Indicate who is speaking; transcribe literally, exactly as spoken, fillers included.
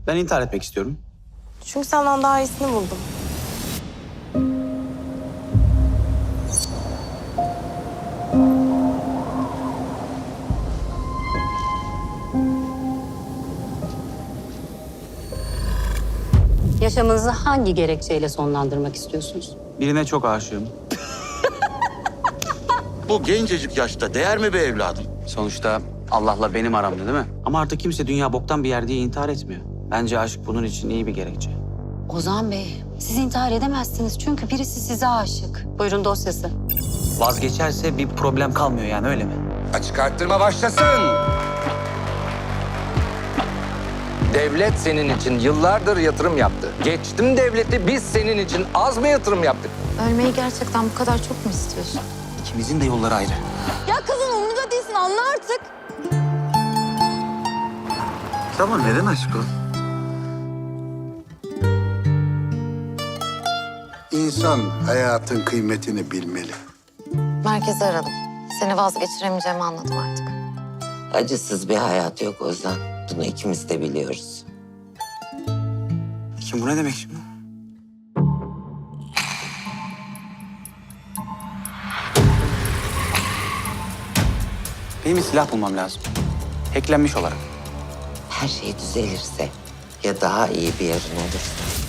Speaker 1: Ben intihar etmek istiyorum.
Speaker 2: Çünkü senden daha iyisini buldum.
Speaker 3: Yaşamınızı hangi gerekçeyle sonlandırmak istiyorsunuz?
Speaker 1: Birine çok aşığım.
Speaker 4: Bu gencecik yaşta değer mi be evladım?
Speaker 1: Sonuçta Allah'la benim aramda değil mi? Ama artık kimse dünya boktan bir yer diye intihar etmiyor. Bence aşk bunun için iyi bir gerekçe.
Speaker 3: Ozan Bey, siz intihar edemezsiniz çünkü birisi size aşık. Buyurun dosyası.
Speaker 1: Vazgeçerse bir problem kalmıyor yani, öyle mi?
Speaker 5: Açık arttırma başlasın. Devlet senin için yıllardır yatırım yaptı. Geçtim devleti, biz senin için az mı yatırım yaptık?
Speaker 2: Ölmeyi gerçekten bu kadar çok mu istiyorsun?
Speaker 1: İkimizin de yolları ayrı.
Speaker 2: Ya kızın umurunda değilsin, anla artık.
Speaker 1: Tamam, neden aşk o?
Speaker 6: İnsan hayatın kıymetini bilmeli.
Speaker 2: Merkezi aradım. Seni vazgeçiremeyeceğimi anladım artık.
Speaker 7: Acısız bir hayat yok Ozan. Bunu ikimiz de biliyoruz.
Speaker 1: Kim, bu ne demek şimdi? Benim bir silah bulmam lazım. Hacklenmiş olarak.
Speaker 7: Her şey düzelirse ya daha iyi bir yarın olursa